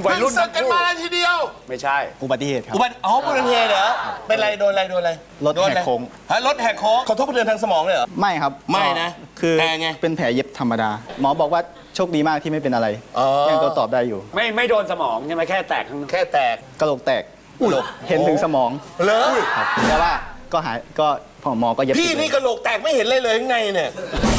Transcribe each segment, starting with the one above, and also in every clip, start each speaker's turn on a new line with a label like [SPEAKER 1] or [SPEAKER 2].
[SPEAKER 1] วัยรุ่น
[SPEAKER 2] ศึกกันมาทีเดียว
[SPEAKER 1] ไม่ใช่
[SPEAKER 3] อุบัติเหตุครับ
[SPEAKER 2] อุบัติเหตุเหรอเป็นไรโดนอะไร
[SPEAKER 3] รถแหกโค้ง
[SPEAKER 2] ฮะรถแหกโค้งขอโทษกระเทือนทางสมองเลยเหรอ
[SPEAKER 3] ไม่ครับ
[SPEAKER 2] ไม่นะ
[SPEAKER 3] คือ
[SPEAKER 2] แผลไง
[SPEAKER 3] เป็นแผลเย็บธรรมดา หมอบอกว่าโชคดีมากที่ไม่เป็นอะไร
[SPEAKER 2] อ๋อ
[SPEAKER 3] ยังตัวตอบได้อยู่
[SPEAKER 1] ไม่โดนสมองใช่ไหมแค่แตกข้างนอก
[SPEAKER 2] แค่แตก
[SPEAKER 3] กระโหลกแตกกระโหลกเห็นถึงสมอง
[SPEAKER 2] เหรอ
[SPEAKER 3] ครับแต่ว่าก็หายก็หมอก็เย็บ
[SPEAKER 2] พี่
[SPEAKER 3] ติด
[SPEAKER 2] นี่กระโหลกแตกไม่เห็นเลยข้างในเนี่ย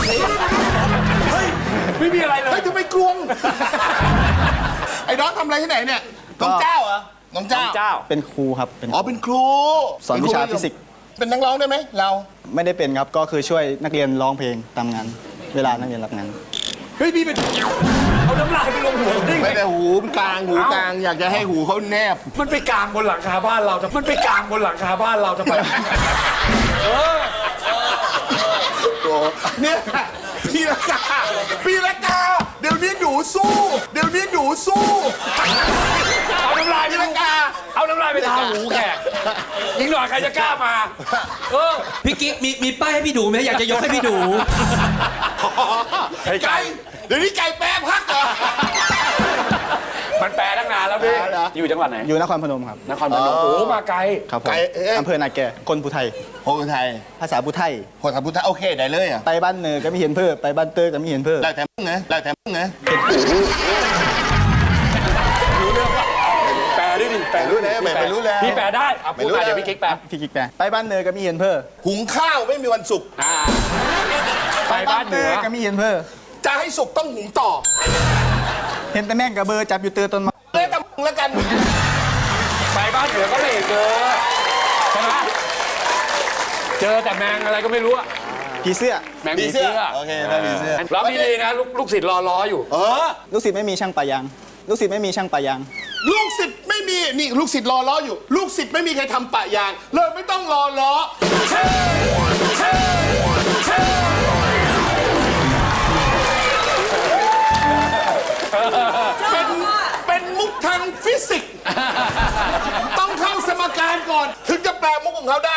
[SPEAKER 1] ไม่มีอะไรเลย
[SPEAKER 2] เฮ้ยทำไมกลวง ไอ้น้องทำอะไรที่ไหนเนี่ยน้องเจ้าเหรอน้องเจ้า
[SPEAKER 1] เจ้า
[SPEAKER 3] เป็นครูครับเป็น
[SPEAKER 2] อ๋อเป็นครู
[SPEAKER 3] สอนวิชาฟิสิกส์
[SPEAKER 2] เป็นนักร้องได้ไหมเรา
[SPEAKER 3] ไม่ได้เป็นครับก็คือช่วยนักเรียนร้องเพลงตามงานเวลานักเรียนรับงาน
[SPEAKER 1] เฮ้ยพี่เป็นเอาน้ำลายไปลงหัวได้ไง
[SPEAKER 2] ไม่ได้หูกลางอยากจะให้หูเขาแนบ
[SPEAKER 1] มันไปกลางบนหลังคาบ้านเราทำมันไปกลางบนหลังคาบ้านเราทำไม
[SPEAKER 2] เนี่ยพี่ละกาเดี๋ยวนี้หนูสู้
[SPEAKER 1] เอาน้ำลายไปลงเอาน้ำลายไปทาหูแขกยิงหน่อยใครจะกล้ามา
[SPEAKER 4] พี่กิ๊กมีป้ายให้พี่ดูไหมอยากจะยกให้พี่ดู
[SPEAKER 2] ไก่เดี๋ยวนี้ไก่แปรพักเหรอ
[SPEAKER 1] มันแปลตั้งนานแล้วพี่
[SPEAKER 2] เหรอ
[SPEAKER 1] อยู่จังหวัดไหน
[SPEAKER 3] อยู่นครพนมครับ
[SPEAKER 1] นครพนมโอ้มาไกล
[SPEAKER 3] ครับผม
[SPEAKER 2] ไกลเอ๊ะ
[SPEAKER 3] อำเภอนาแกคนภูไทย
[SPEAKER 2] โพธิ์ไทย
[SPEAKER 3] ภาษาภูไทย
[SPEAKER 2] โพธิ์พุทธโอเคได้เลยอ่ะ
[SPEAKER 3] ไปบ้านเนอก็ไม่เห็นเพิ่มไปบ้านเตอร์ก็ไม่เห็นเพิ่ม
[SPEAKER 2] แล้วแต่มึงไง
[SPEAKER 1] แปลด้วยดิแปลด้วย
[SPEAKER 2] ไม่รู้แล้ว
[SPEAKER 1] พี่แปลได้เอาพูดมาเดี๋ยวพี่กิ๊กแปล
[SPEAKER 3] พี่กิ๊กแปลไปบ้านเนอก็ไม่เห็นเพิ่ม
[SPEAKER 2] หุงข้าวไม่มีวันสุก
[SPEAKER 1] ไปบ้านเหนือ
[SPEAKER 3] ก็ไม่เห็นเพิ่ม
[SPEAKER 2] จะให้สุกต้องหุงต่อ
[SPEAKER 3] เห็นแต่แม่งกับเบอร์จับอยู่เตอร์ต้นไม้
[SPEAKER 2] เลยแต่มึงแล้วกัน
[SPEAKER 1] ไปบ้านเหนือก็ไม่เห็นเจอใช่ไหมเจอแต่แมงอะไรก็ไม่รู้อะ
[SPEAKER 3] ผีเสื้อ
[SPEAKER 1] แมงผีเสื้อ
[SPEAKER 2] โอเคได้ผีเสื้อ
[SPEAKER 1] รับดีๆนะลูกศิษย์รออยู่
[SPEAKER 3] ลูกศิษย์ไม่มีช่างปะยางลูกศิษย์ไม่มีช่างปะยาง
[SPEAKER 2] ลูกศิษย์ไม่มีนี่ลูกศิษย์รอล้ออยู่ ลูกศิษย์ไม่มีใครทำปะยางเลยไม่ต้องรอล้อเป็นมุกทางฟิสิกส์ต้องเข้าสมการก่อน ถึงจะแปลมุกของเขาได้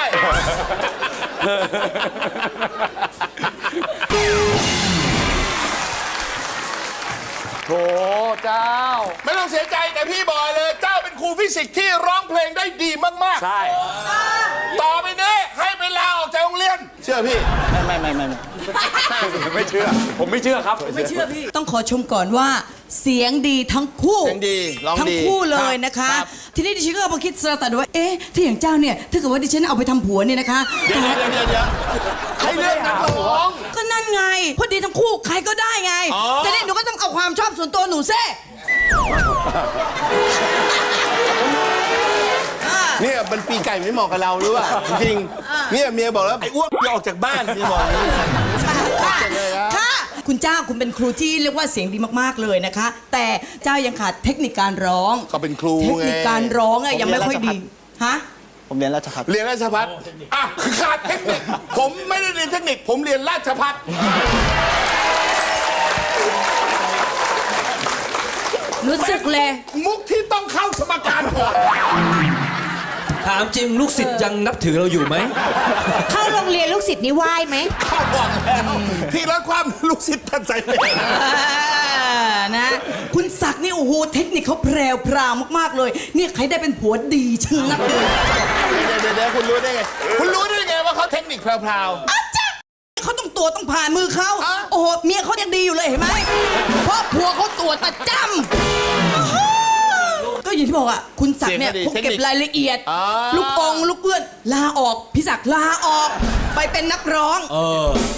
[SPEAKER 1] โถเจ้า
[SPEAKER 2] ไม่ต้องเสียใจแต่พี่บอกเลย เจ้าเป็นครูฟิสิกส์ที่ร้องเพลงได้ดีมาก
[SPEAKER 1] ใช่
[SPEAKER 2] ๆ ต่อไปนี้ให้ไปลาออกจากโรงเรียน เชื่อพี่
[SPEAKER 3] ไม่
[SPEAKER 1] ไม่เชื่อ ผมไม่เชื่อครับ
[SPEAKER 5] ไม่เชื่อพี่ ต้องขอชมก่อนว่าเสียงดีทั้งคู่
[SPEAKER 2] เสียงดีร้องดี
[SPEAKER 5] ทั้งคู่เลยนะคะ
[SPEAKER 2] ครับ
[SPEAKER 5] ทีนี้ดิฉันก็เอามาคิดสระตัดว่า เอ๊ะ ถ้าอย่างเจ้าเนี่ย ถ้าเกิดว่าดิฉันเอาไปทำผัวเนี่ยนะคะ
[SPEAKER 2] เดี๋ยวใครเลือกนักร้อง
[SPEAKER 5] ก็นั่นไงพอดีทั้งคู่ใครก็ได้ไง
[SPEAKER 2] อ๋อ
[SPEAKER 5] แต่เนี่ยหนูก็ต้องเอาความชอบส่วนตัวหนูเซ่
[SPEAKER 2] เนี่ยมันปีไก่ไม่เหมาะกับเราหรือเปล่าจริงๆเนี่ยเมียบอกแล้วไอ้อ้วนอย่าออกจากบ้านเมียบอกอย่างนี้
[SPEAKER 5] ค่ะ คุณเจ้าคุณเป็นครูที่เรียกว่าเสียงดีมากๆเลยนะคะ แต่เจ้ายังขาดเทคนิคการร้อง
[SPEAKER 2] เขาเป็นครู
[SPEAKER 5] เทค
[SPEAKER 2] ไง
[SPEAKER 5] นิคการร้องอะยังไม่ค่อยดีฮะ
[SPEAKER 3] ผมเรียนราชภัฏ
[SPEAKER 2] เรียนราชภัฏอ่ะขาดเทคนิคผมไม่ได้เรียนเทคนิคผมเรียนราชภัฏ
[SPEAKER 5] รู้สึกเลย
[SPEAKER 2] มุกที่ต้องเข้าสมการก่อน
[SPEAKER 4] ถามจริงลูกศิษย์ยังนับถือเราอยู่ไหม
[SPEAKER 6] เข้าโรงเรียนลูกศิษย์นี่ไหว้ไหม
[SPEAKER 2] เข้าบอกแล้วที่รักความลูกศิษย์ท่านใจเลย
[SPEAKER 5] นะคุณศักดิ์นี่โอ้โหเทคนิคเขาแพรวพราวมากๆเลยเนี่ยใครได้เป็นผัวดีชะนักเลย
[SPEAKER 2] เดี๋ยวคุณรู้ได้ไงคุณรู้ได้ไงว่าเขาเทคนิคแพรว
[SPEAKER 5] อาจ้ะเขาต้องตัวต้องผ่านมือเขา
[SPEAKER 2] อ่ะ
[SPEAKER 5] โอ้โหเมียเขายังดีอยู่เลยเห็นไหมเพราะผัวเขาตัวประจำก็อย่างที่บอกอ่ะคุณศักดิ์เนี่ยเขาเก็บรายละเอียด ลูกองลูกเอื้อนลาออกพี่ศักดิ์ลาออกไปเป็นนักร้อง